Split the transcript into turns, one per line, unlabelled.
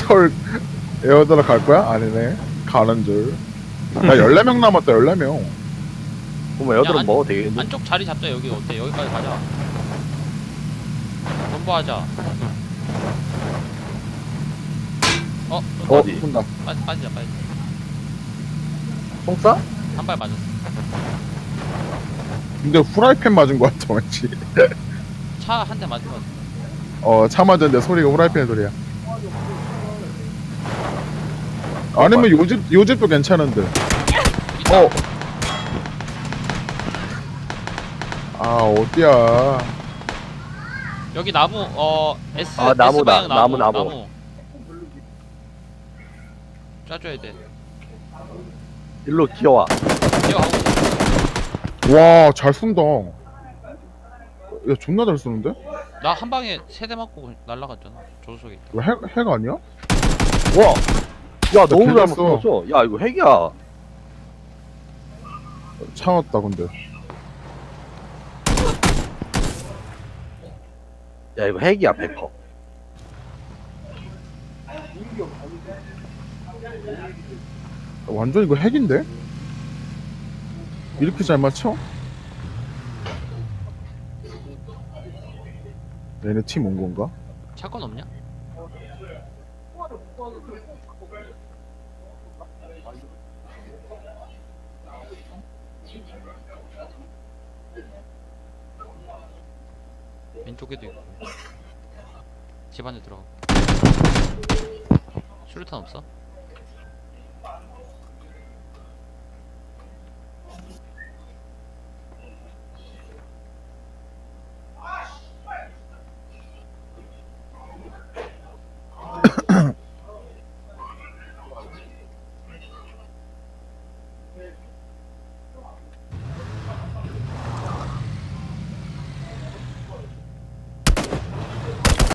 서울 에어드랍 갈 거야? 아니네. 가는 줄. 야, 14명 남았다, 14명.
그럼 애들은
안-
먹어도 되겠는데?
안쪽 자리 잡자. 여기 어때? 여기까지 가자. 전부하자.
어디?
쏜다.
빠지자.
송싸?
한 발 맞았어.
근데 후라이팬 맞은 거 같아, 왠지.
차 한 대 맞은 거 같아.
차 맞았는데 소리가 후라이팬 소리야. 아니면 요집도 괜찮은데.
있다.
어디야.
여기 나무 S
아, 나무다.
S 방향
나무.
짜줘야 돼.
일로 기어와.
뛰어가고 있어.
와, 잘 쏜다. 야, 존나 잘 쏘는데?
나 한 방에 세 대 맞고 날라갔잖아. 조수석에 있다.
이거 핵 아니야?
와! 야, 너무 잘
개됐어.
먹었어. 야, 이거 핵이야.
차왔다, 근데.
야, 이거 핵이야, 100%.
완전 이거 핵인데? 이렇게 잘 맞춰? 얘네 팀 온 건가?
차건 없냐? 왼쪽에도 있고. 집 안에 들어가. 수류탄 없어?